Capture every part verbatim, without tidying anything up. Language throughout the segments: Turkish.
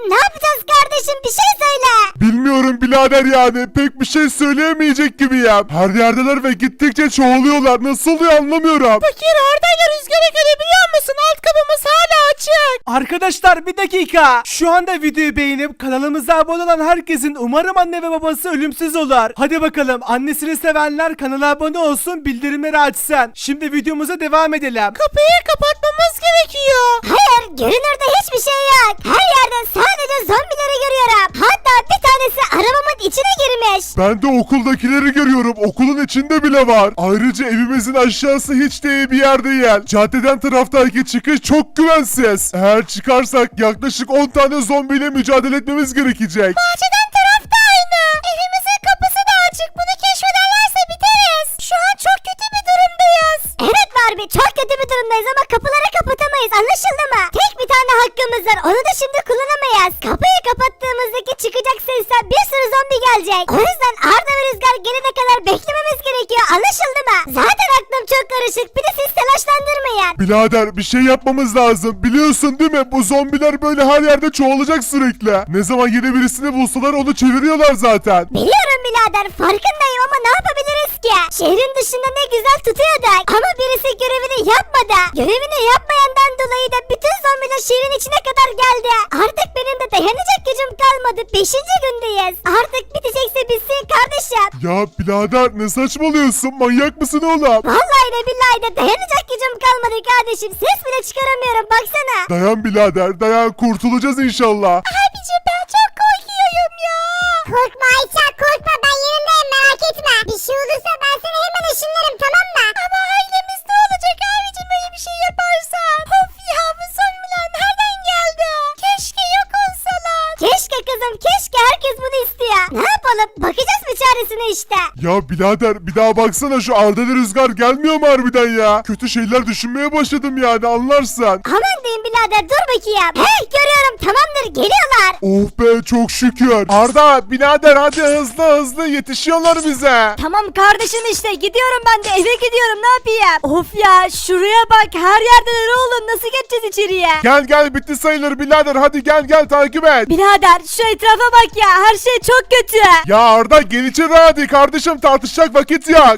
Ne yapacağız kardeşim, bir şey söyle. Bilmiyorum birader yani pek bir şey söyleyemeyecek gibiyim. Her yerdeler ve gittikçe çoğalıyorlar. Nasıl oluyor anlamıyorum. Fakir Arda ile Rüzgar'ı görebiliyor musun? Alt kapımız hala açık. Arkadaşlar bir dakika. Şu anda videoyu beğenip kanalımıza abone olan herkesin umarım anne ve babası ölümsüz olur. Hadi bakalım, annesini sevenler kanala abone olsun, bildirimleri açsın. Şimdi videomuza devam edelim. Kapıyı kapatmamız gerekiyor. Hayır, görünürde hiçbir şey yok. Her yerde sadece zombileri görüyorum. Hatta bir tanesi arabamın içine girmiş. Ben de okuldakileri görüyorum. Okulun içinde bile var. Ayrıca evimizin aşağısı hiç de iyi bir yer değil. Caddeden taraftaki çıkış çok güvensiz. Eğer çıkarsak yaklaşık on tane zombiyle mücadele etmemiz gerekecek. Bahçeden taraf da aynı. Evimizin kapısı da açık. Bunu keşfederlerse biteriz. Şu an çok kötü bir durumdayız. Evet Barbie, çok kötü bir durumdayız ama kapıları kapatamayız, anlaşıldı mı? Tek bir tane hakkımız var, onu da şimdi kullanamayız. Kapıyı kapattığımızdaki çıkacak sesten bir sürü zombi gelecek. O yüzden Arda ve Rüzgar gelene kadar beklememiz gerekiyor, anlaşıldı mı? Zaten aklım çok karışık, bir de siz telaşlandırmayın. Birader bir şey yapmamız lazım. Biliyorsun değil mi? Bu zombiler böyle her yerde çoğalacak sürekli. Ne zaman yeni birisini bulsalar onu çeviriyorlar zaten. Biliyorum birader, farkındayım ama ne yapabiliriz ki? Şehrin dışında ne güzel tutuyorduk ama birisi görevini yapmadı. Görevini yapmayandan dolayı da bütün zombiler şehrin içine kadar geldi. Artık benim de dayanacak gücüm kalmadı. Beşinci gündeyiz. Artık bitecekse bitsin kardeşim. Ya birader ne saçmalıyorsun? Manyak mısın oğlum? Vallahi de billahi de dayanacak gücüm kalmadı kardeşim. Ses bile çıkaramıyorum, baksana. Dayan birader dayan, kurtulacağız inşallah. Abicim ben çok korkuyorum ya. Korkma Ayça, korkma, ben yanındayım, merak etme. Bir şey olursa ben seni hemen ışınlarım, tamam mı? Ama ailemiz ne olacak abicim böyle bir şey yaparsan? Of ya, bu zombiler nereden geldi? Keşke yok olsalar. Keşke kızım, keşke, herkes bunu istiyor. Ne yapalım, bakacağız bir çaresine işte. Ya birader bir daha baksana, şu Arda'lı Rüzgar gelmiyor mu harbiden ya? Kötü şeyler düşünmeye başladım yani, anlarsan. Aman diyeyim birader, dur bakayım. Hey, görüyorum, tamamdır, geliyorlar. Oh be çok şükür. Arda birader hadi hızlı hızlı, yetişiyorlar bize. Tamam kardeşim, işte gidiyorum ben de, eve gidiyorum, ne yapayım? Of ya, şuraya bak, her yerdeler oğlum, nasıl geçeceğiz içeriye? Gel gel bitti sayılır birader, hadi gel gel takip et. Birader şu etrafa bak ya, her şey çok kötü. Ya Arda gel içeri hadi kardeşim, tartışacak vakit yok.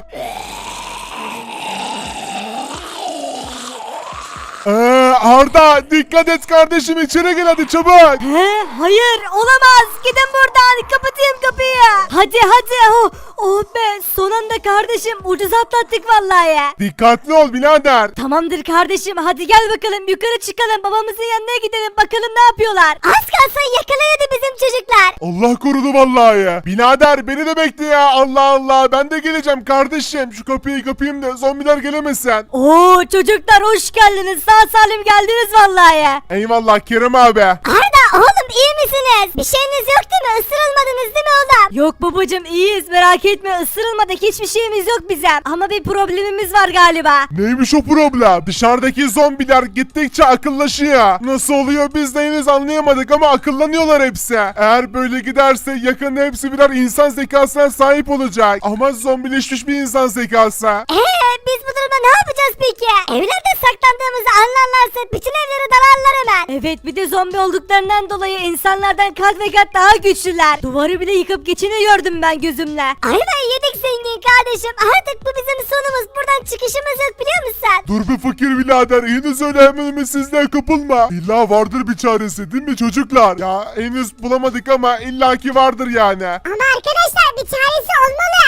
Ee, Arda dikkat et kardeşim, içeri gel hadi çabuk. He, hayır olamaz, gidin buradan, kapatayım kapıyı. Hadi hadi, oh, oh be, son anda kardeşim, ucuz atlattık vallahi ya. Dikkatli ol birader. Tamamdır kardeşim, hadi gel bakalım, yukarı çıkalım, babamızın yanına gidelim, bakalım ne yapıyorlar. Az kalsın yakalanıyordu bizim çocuklar. Allah korudu vallahi. Birader beni de bekle ya, Allah Allah, ben de geleceğim kardeşim. Şu kapıyı kapayım da zombiler gelemesin. Oo çocuklar, hoş geldiniz, sağ salim geldiniz vallahi. Eyvallah Kerem abi. Arda oğlum, iyi misiniz? Bir şeyiniz yok değil mi? Isırılmadınız değil mi oğlum? Yok babacım, iyiyiz, merak etme, ısırılmadık, hiçbir şeyimiz yok bizim. Ama bir problemimiz var galiba. Neymiş o problem? Dışarıdaki zombiler gittikçe akıllaşıyor. Nasıl oluyor biz de henüz anlayamadık ama akıllanıyorlar hepsi. Eğer böyle giderse yakında hepsi birer insan zekasına sahip olacak. Ama zombileşmiş bir insan zekası. Eee biz bu durumda ne yapacağız peki? Evlerde saklandığımızı anlarlarsa bütün evleri dalarlar hemen. Evet, bir de zombi olduklarından dolayı insanlardan kat ve kat daha güçlüler. Duvarı bile yıkıp geçini gördüm ben gözümle. Aynen yedik zengin kardeşim. Artık bu bizim sonumuz. Buradan çıkışımız yok, biliyor musun? Dur bir fakir birader, henüz öyle hemen ümitsizliğe kapılma. İlla vardır bir çaresi değil mi çocuklar? Ya henüz bulamadık ama illaki vardır yani. Ama arkadaşlar bir çaresi olmalı.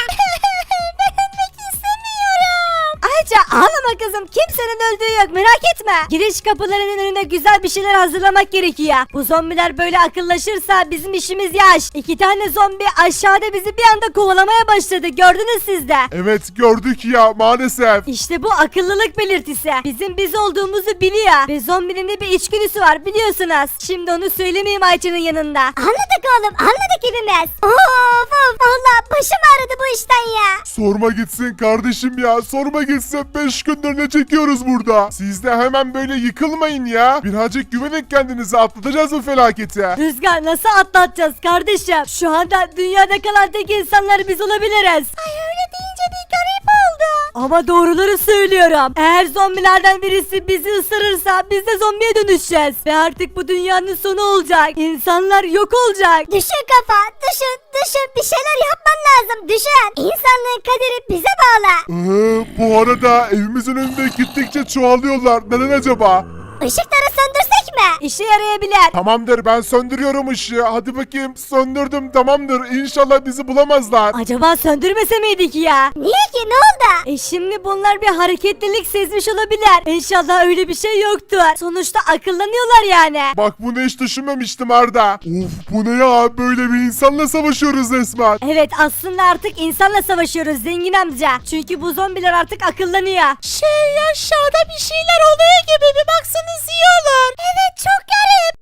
Ayrıca ağlama kızım, kimsenin öldüğü yok, merak etme. Giriş kapılarının önüne güzel bir şeyler hazırlamak gerekiyor. Bu zombiler böyle akıllaşırsa bizim işimiz yaş. İki tane zombi aşağıda bizi bir anda kovalamaya başladı, gördünüz siz de. Evet gördük ya maalesef. İşte bu akıllılık belirtisi. Bizim biz olduğumuzu biliyor. Ve zombinin de bir içgüdüsü var, biliyorsunuz. Şimdi onu söylemeyeyim Ayça'nın yanında. Anladık oğlum, anladık hepimiz. Of of, valla başım ağrıdı bu işten ya. Sorma gitsin kardeşim ya, sorma gitsin. Beş gündür ne çekiyoruz burada? Siz de hemen böyle yıkılmayın ya. Birazcık güvenin kendinize, atlatacağız bu felaketi. Rüzgar, nasıl atlatacağız kardeşim? Şu anda dünyada kalan tek insanlar biz olabiliriz. Ay öyle deyince bir garip oldu. Ama doğruları söylüyorum. Eğer zombilerden birisi bizi ısırırsa biz de zombiye dönüşeceğiz. Ve artık bu dünyanın sonu olacak. İnsanlar yok olacak. Düşün kafa, düşün, düşün. Bir şeyler yapman lazım, düşün. İnsanlığın kaderi bize bağlı. Ee, bu arada evimizin önünde gittikçe çoğalıyorlar. Neden acaba? Işıkları söndürsek mi? İşe yarayabilir. Tamamdır, ben söndürüyorum ışığı. Hadi bakayım, söndürdüm, tamamdır. İnşallah bizi bulamazlar. Acaba söndürmese miydik ya? Niye ki, ne oldu? E şimdi bunlar bir hareketlilik sezmiş olabilir. İnşallah öyle bir şey yoktur. Sonuçta akıllanıyorlar yani. Bak, bunu hiç düşünmemiştim Arda. Of, bu ne ya? Böyle bir insanla savaşıyoruz resmen. Evet, aslında artık insanla savaşıyoruz zengin amca. Çünkü bu zombiler artık akıllanıyor. Şey, aşağıda bir şeyler oluyor gibi, bir baksanız iyi olur. Evet, çok garip.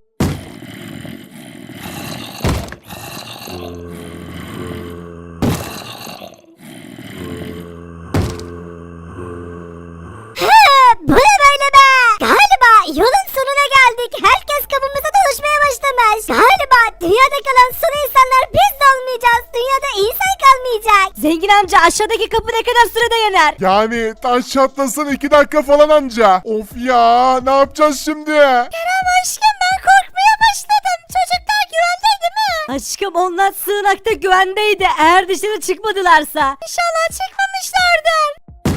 He, bu ne böyle be? Galiba yolun sonuna geldik. Herkes kapımıza dolaşmaya başlamış. Galiba dünyada kalan son insanlar biz de olmayacağız. Dünyada insan kalmayacak. Zengin amca, aşağıdaki kapı ne kadar sürede yanar? Yani taş çatlasın iki dakika falan anca. Of ya, ne yapacağız şimdi? Kerem aşkım, ben korkmaya başladım. Çocuklar güvende değil mi? Aşkım, onlar sığınakta güvendeydi. Eğer dışarı çıkmadılarsa. İnşallah çıkmamışlardır.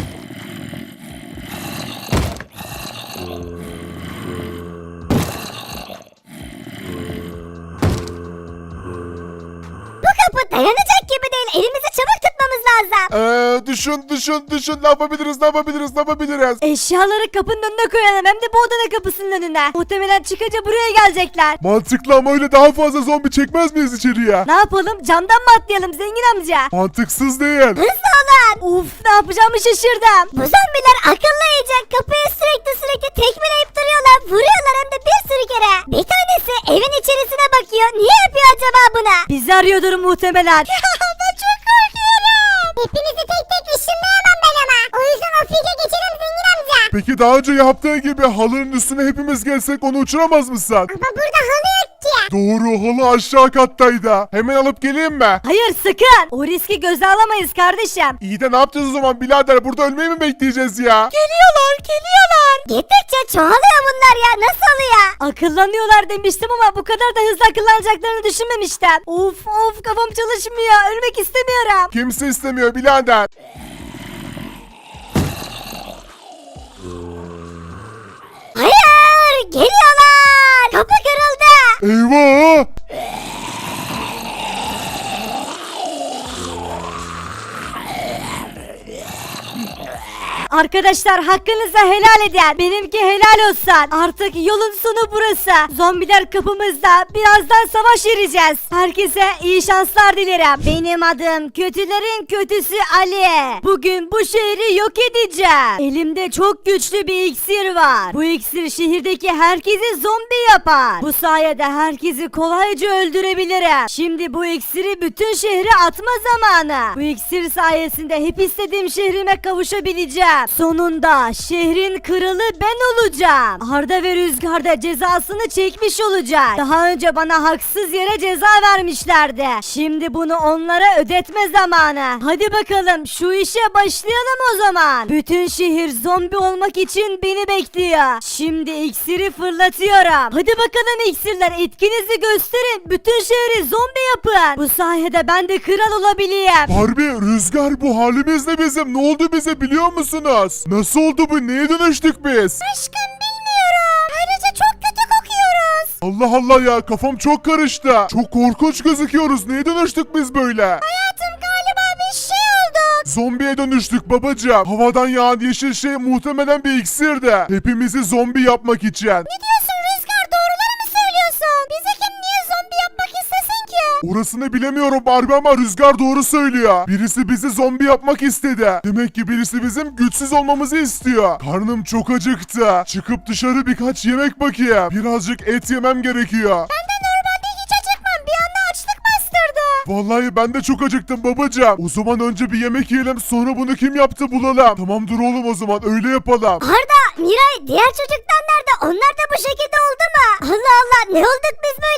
Bu kapı dayanacak gibi değil. Elimizi çabuk tutmamız lazım. Ee, düşün, düşün, düşün. Ne yapabiliriz, ne yapabiliriz, ne yapabiliriz? Eşyaları kapının önüne koyalım, hem de bu odanın kapısının önüne. Muhtemelen çıkınca buraya gelecekler. Mantıklı ama öyle daha fazla zombi çekmez miyiz içeriye? Ne yapalım, camdan mı atlayalım zengin amca? Mantıksız değil. Hızlı olun. Uf, ne yapacağımı şaşırdım. Bu zombiler akıllı iyice. Kapıyı sürekli sürekli tekmeleyip duruyorlar. Vuruyorlar hem de bir sürü kere. Bir tanesi evin içerisine bakıyor. Niye yapıyor acaba bunu? Bizi arıyordur muhtemelen. Ben çok korkuyorum. Hepinizi tek tek ışınlayamam ben ama. O yüzden o fikre geçelim zengin amca. Peki daha önce yaptığı gibi halının üstüne hepimiz gelsek onu uçuramaz mısın? Ama burada halı yok ki. Doğru, halı aşağı kattaydı. Hemen alıp geleyim mi? Hayır, sakın. O riski göze alamayız kardeşim. İyi de ne yapacağız o zaman birader? Burada ölmeyi mi bekleyeceğiz ya? Geliyorlar, geliyorlar. Gittikçe çoğalıyor bunlar ya. Nasıl oluyor? Akıllanıyorlar demiştim ama bu kadar da hızlı akıllanacaklarını düşünmemiştim. Of of, kafam çalışmıyor. Ölmek istemiyorum. Kimse istemiyor birader. Hayır. Geliyorlar. Kapı kırıldı. Eyvah! Arkadaşlar, hakkınızı helal edin. Benimki helal olsun. Artık yolun sonu burası. Zombiler kapımızda. Birazdan savaş vereceğiz. Herkese iyi şanslar dilerim. Benim adım kötülerin kötüsü Ali. Bugün bu şehri yok edeceğim. Elimde çok güçlü bir iksir var. Bu iksir şehirdeki herkesi zombi yapar. Bu sayede herkesi kolayca öldürebilirim. Şimdi bu iksiri bütün şehre atma zamanı. Bu iksir sayesinde hep istediğim şehrime kavuşabileceğim. Sonunda şehrin kralı ben olacağım. Arda ve Rüzgar da cezasını çekmiş olacak. Daha önce bana haksız yere ceza vermişlerdi. Şimdi bunu onlara ödetme zamanı. Hadi bakalım, şu işe başlayalım o zaman. Bütün şehir zombi olmak için beni bekliyor. Şimdi iksiri fırlatıyorum. Hadi bakalım iksirler, etkinizi gösterin. Bütün şehri zombi yapın. Bu sayede ben de kral olabileyim. Barbie, Rüzgar, bu halimiz ne bizim? Ne oldu bize biliyor musunuz? Nasıl oldu bu? Neye dönüştük biz? Aşkım bilmiyorum. Ayrıca çok kötü kokuyoruz. Allah Allah ya, kafam çok karıştı. Çok korkunç gözüküyoruz. Neye dönüştük biz böyle? Hayatım galiba bir şey oldu. Zombiye dönüştük babacığım. Havadan yağan yeşil şey muhtemelen bir iksirdi. Hepimizi zombi yapmak için. Ne diyorsun Rüzgar? Doğruları mı söylüyorsun? Bizi kim niye zombi yapmak istesin ki? Orasını bilemiyorum Barbie ama Rüzgar doğru söylüyor. Birisi bizi zombi yapmak istedi. Demek ki birisi bizim güçsüz olmamızı istiyor. Karnım çok acıktı. Çıkıp dışarı birkaç yemek bakayım. Birazcık et yemem gerekiyor. Ben de normalde hiç acıkmam. Bir anda açlık bastırdı. Vallahi ben de çok acıktım babacığım. O zaman önce bir yemek yiyelim, sonra bunu kim yaptı bulalım. Tamam, dur oğlum, o zaman öyle yapalım. Arda, Miray, diğer çocuklar nerede? Onlar da bu şekilde oldu mu? Allah Allah, ne olduk biz böyle ya?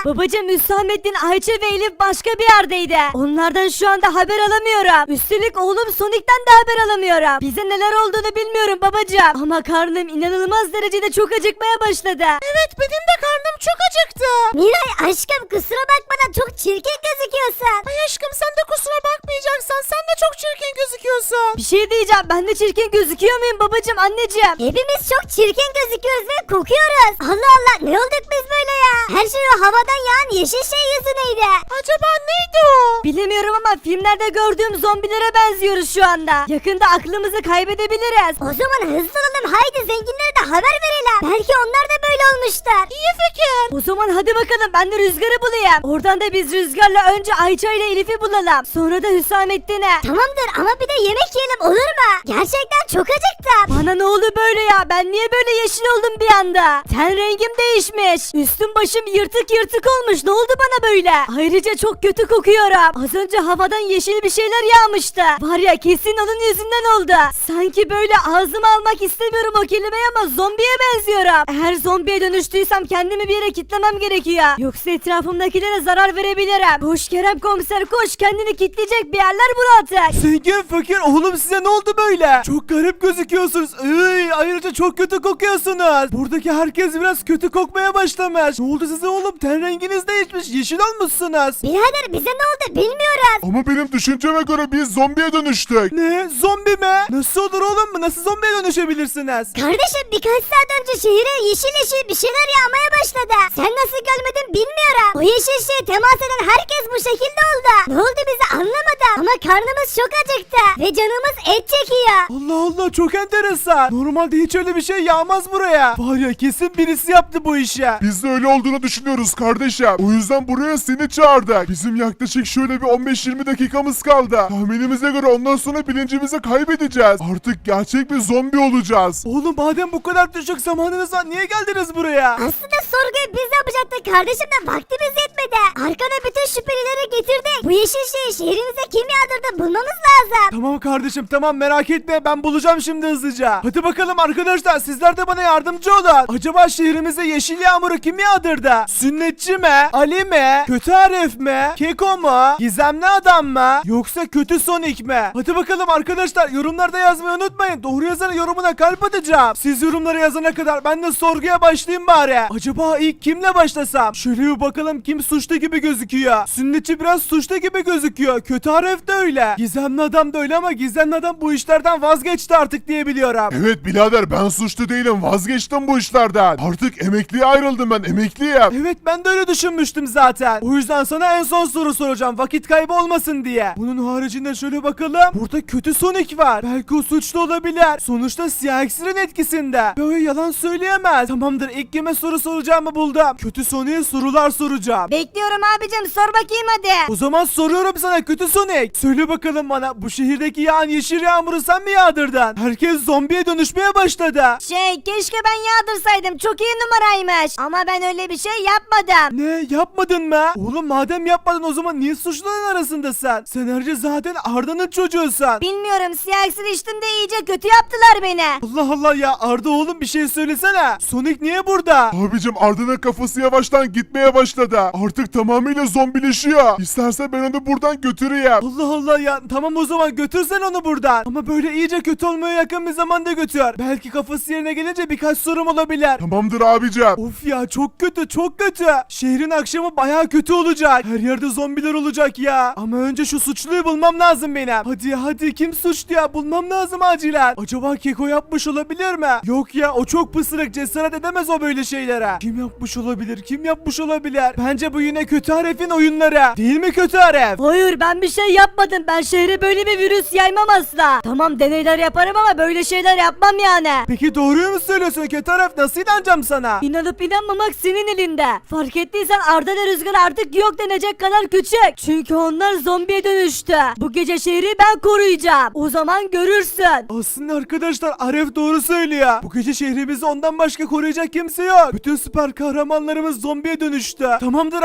Babacım Hüsamettin, Ayça ve Elif başka bir yerdeydi. Onlardan şu anda haber alamıyorum. Üstelik oğlum Sonic'ten de haber alamıyorum. Bize neler olduğunu bilmiyorum babacım. Ama karnım inanılmaz derecede çok acıkmaya başladı. Evet, benim de karnım çok acıktı. Miray aşkım kusura bakma da çok çirkin gözüküyorsun. Ay aşkım, sen de kusura bakmayacaksan sen de çok çirkin gözüküyorsun. Bir şey diyeceğim, ben de çirkin gözüküyor muyum babacım, anneciğim? Hepimiz çok çirkin gözüküyoruz ve kokuyoruz. Allah Allah ne olduk biz böyle ya? Her şey o havadan yağan yeşil şey yüzüneydi. Acaba neydi o? Bilemiyorum ama filmlerde gördüğüm zombilere benziyoruz şu anda. Yakında aklımızı kaybedebiliriz. O zaman hızlı olalım haydi zenginlere de haber verelim. Belki onlar da böyle olmuşlar. İyi fikir. O zaman hadi bakalım, ben de Rüzgar'ı bulayım. Oradan da biz Rüzgar'la önce Ayça ile Elif'i bulalım. Sonra da Hüsamettin'e. Tamamdır ama bir de yemek yiyelim olur mu? Gerçekten çok acıktım. Bana ne oldu böyle ya? Ben niye böyle yeşil oldum bir anda? Ten rengim değişmiş. Üstüm başım yırtık yırtık olmuş. Ne oldu bana böyle? Ayrıca çok kötü kokuyorum. Az önce havadan yeşil bir şeyler yağmıştı. Var ya, kesin onun yüzünden oldu. Sanki böyle ağzıma almak istemiyorum o kelimeyi ama zombiye benziyorum. Eğer zombiye dönüştüysem kendimi bir yere kitlemem gerekiyor. Yoksa etrafımdakilere zarar verebilirim. Koş Kerem komiser koş, kendini kitleyecek bir yerler bul artık. Zengin fakir oğlum, size ne oldu böyle? Çok garip gözüküyorsunuz. Iy, ayrıca çok kötü kokuyorsunuz. Buradaki herkes biraz kötü kokmaya başlamış. Ne oldu size oğlum? Ten renginiz değişmiş. Yeşil olmuşsunuz. Birader bize ne oldu bilmiyoruz. Ama benim düşünceme göre biz zombiye dönüştük. Ne? Zombi mi? Nasıl olur oğlum? Nasıl zombiye dönüşebilirsiniz? Kardeşim birkaç saat önce şehire yeşil yeşil bir şeyler yağmaya başladı. Sen nasıl görmedin bilmiyorum. O yeşil şeye temas eden herkes bu şekilde oldu. Ne oldu bize anlamadım. Ama karnımız çok acıktı. Ve canımız et çekiyor. Allah Allah, çok enteresan. Normalde hiç öyle bir şey yağmaz buraya. Var ya, kesin birisi yaptı bu işi. Biz de öyle olduğunu düşünüyoruz kardeşim. O yüzden buraya seni çağırdık. Bizim yaklaşık şöyle bir on beş yirmi dakikamız kaldı. Tahminimize göre ondan sonra bilincimizi kaybedeceğiz. Artık gerçek bir zombi olacağız. Oğlum madem bu kadar düşük zamanınız var, niye geldiniz buraya? Aslında sorguyu biz yapacaktık kardeşim de vaktimiz yetmedi. Arkana bütün şüphelileri getirdik. Bu yeşil şeyi şehrimize kim yağdırdı bulmamız lazım. Tamam kardeşim, tamam, merak etme, ben bulacağım şimdi hızlıca. Hadi bakalım arkadaşlar, sizler de bana yardımcı olun. Acaba şehrimize yeşil yağmuru kim yağdırdı? Sünnetçi mi? Ali mi? Kötü Arif mi? Keko mu? Gizemli adam mı? Yoksa kötü Sonic mi? Hadi bakalım arkadaşlar, yorumlarda yazmayı unutmayın. Doğru yazan yorumuna kalp atacağım. Siz yorumlara yazana kadar ben de sorguya başlayayım bari. Acaba ilk kimle başlasam? Şöyle bir bakalım, kim suçlu gibi gözüküyor? Sünnetçi biraz suçlu gibi gözüküyor. Kötü Arif de öyle. Gizemli adam da öyle ama gizemli adam bu işlerden vazgeçti artık diye biliyorum. Evet birader, ben suçlu değilim, vazgeçtim bu işlerden. Artık emekliye ayrıldım, ben emekliyim. Evet, ben de öyle düşünmüştüm zaten. O yüzden sana en son soru soracağım, vakit kaybı olmasın diye. Bunun haricinde şöyle bakalım. Burada kötü Sonic var. Belki o suçlu olabilir. Sonuçta siyah iksirin etkisinde. Böyle yalan söyleyemez. Tamamdır, ilk kime soru soracağımı buldum. Kötü Sonic'e sorular soracağım. Bekliyorum abicim, sor bakayım hadi. O zaman soruyorum sana kötü Sonic. Söyle bakalım bana, bu şehirdeki yağan yeşil yağmuru sen mi yağdırdın? Herkes zombiye dönüşmeye başladı. Şey, keşke ben yağdırsaydım, çok iyi numaraymış. Ama ben öyle bir şey yapmadım. Ne, yapmadın mı? Oğlum madem yapmadın, o zaman niye suçluların arasındasın? Sen ayrıca zaten Arda'nın çocuğusun. Bilmiyorum, siyah iksir içtim de iyice kötü yaptılar beni. Allah Allah ya, Arda oğlum bir şey söylesene. Sonic niye burada? Abicim Arda'nın kafası yavaştan gitmeye başladı. Artık tamamıyla zombileşiyor. İstersen ben onu buradan götüreyim. Allah Allah ya, tamam o zaman götürsen onu buradan. Ama böyle iyice kötü olmaya yakın bir zamanda götür. Belki kafası yerine gelince birkaç sorum olabilir. Tamamdır abicim. Of ya, çok kötü çok kötü. Şehrin akşamı baya kötü olacak. Her yerde zombiler olacak ya. Ama önce şu suçluyu bulmam lazım benim. Hadi hadi, kim suçlu ya, bulmam lazım acilen. Acaba Keko yapmış olabilir mi? Yok ya, o çok pısırık, cesaret edemez o böyle şeylere. Kim yapmış olabilir, kim yapmış olabilir? Bence bu yine kötü Arif'in oyunları. Değil mi kötü Arif? Hayır, ben bir şey yapmadım. Ben şehre böyle bir virüs yaymam asla. Tamam, deneyler yaparım ama böyle şeyler yapmam yani. Peki doğruyu mu söylüyorsun kötü Arif? Nasıl inanacağım sana? İnanıp inanmamak senin elinde. Fark ettiysen Arda ve Rüzgar artık yok denecek kadar küçük. Çünkü onlar zombiye dönüştü. Bu gece şehri ben koruyacağım. O zaman görürsün. Aslında arkadaşlar, Arif doğru söylüyor. Bu gece şehrimizi ondan başka koruyacak kimse yok. Bütün süper kahramanlarımız zombiye dönüştü. Tamamdır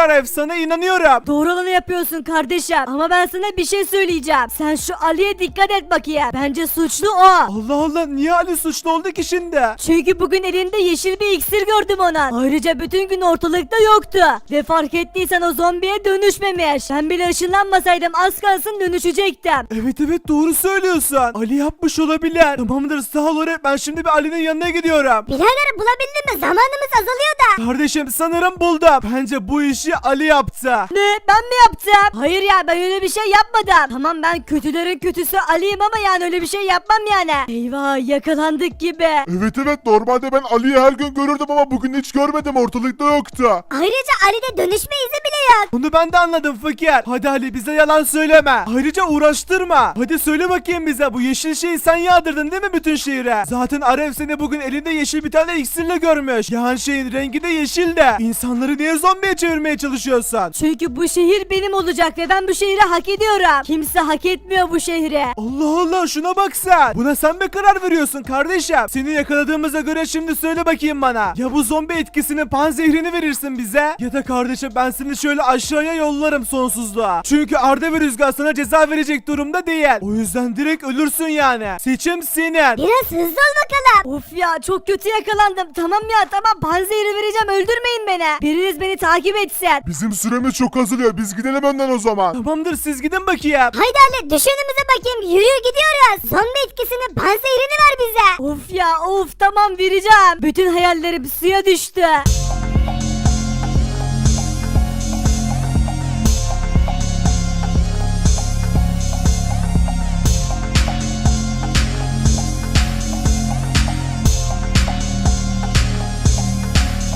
Aref, sana inanıyorum. Doğru olanı yapıyorsun kardeşim. Ama ben sana bir şey söyleyeceğim. Sen şu Ali'ye dikkat et bakayım. Bence suçlu o. Allah Allah, niye Ali suçlu oldu ki şimdi? Çünkü bugün elinde yeşil bir iksir gördüm onun. Ayrıca bütün gün ortalıkta yoktu. Ve fark ettiysen o zombiye dönüşmemiş. Ben bile ışınlanmasaydım az kalsın dönüşecektim. Evet evet, doğru söylüyorsun. Ali yapmış olabilir. Tamamdır, sağ ol Aref, ben şimdi bir Ali'nin yanına gidiyorum. Birader bulabildin mi? Zamanımız azalıyor da. Kardeşim sanırım buldum. Bence bu işi Ali yaptı. Ne? Ben mi yaptım? Hayır ya, ben öyle bir şey yapmadım. Tamam, ben kötülerin kötüsü Ali'yim ama yani öyle bir şey yapmam yani. Eyvah, yakalandık gibi. Evet evet, normalde ben Ali'yi her gün görürdüm ama bugün hiç görmedim, ortalıkta yoktu. Ayrıca Ali'de dönüşme izi bile yok. Bunu ben de anladım fakir. Hadi Ali, bize yalan söyleme. Ayrıca uğraştırma. Hadi söyle bakayım bize, bu yeşil şeyi sen yağdırdın değil mi bütün şehire? Zaten Aref seni bugün elinde yeşil bir tane iksirle görmüş. Yağan şeyin rengi de yeşil de. İnsanları niye zombiye çevirmeye çalışıyorsun? Çünkü bu şehir benim olacak ve ben bu şehri hak ediyorum. Kimse hak etmiyor bu şehri. Allah Allah, şuna bak sen. Buna sen mi karar veriyorsun kardeşim? Seni yakaladığımıza göre şimdi söyle bakayım bana. Ya bu zombi etkisinin panzehrini verirsin bize, ya da kardeşim ben seni şöyle aşağıya yollarım sonsuzluğa. Çünkü Arda ve Rüzgar sana ceza verecek durumda değil. O yüzden direkt ölürsün yani. Seçim senin. Biraz hızlı ol bakalım. Of ya, çok kötü yakalandım. Tamam ya, tamam, panzehiri vereceğim, öldürmeyin beni. Biriniz beni takip etsin. Bizim süremiz çok azalıyor, biz gidelim önden o zaman. Tamamdır, siz gidin bakayım. Haydi Ali, düş önümüze bakayım. Yürü gidiyoruz. Zombi etkisinin panzehirini ver bize. Of ya, of, tamam, vereceğim. Bütün hayallerim suya düştü.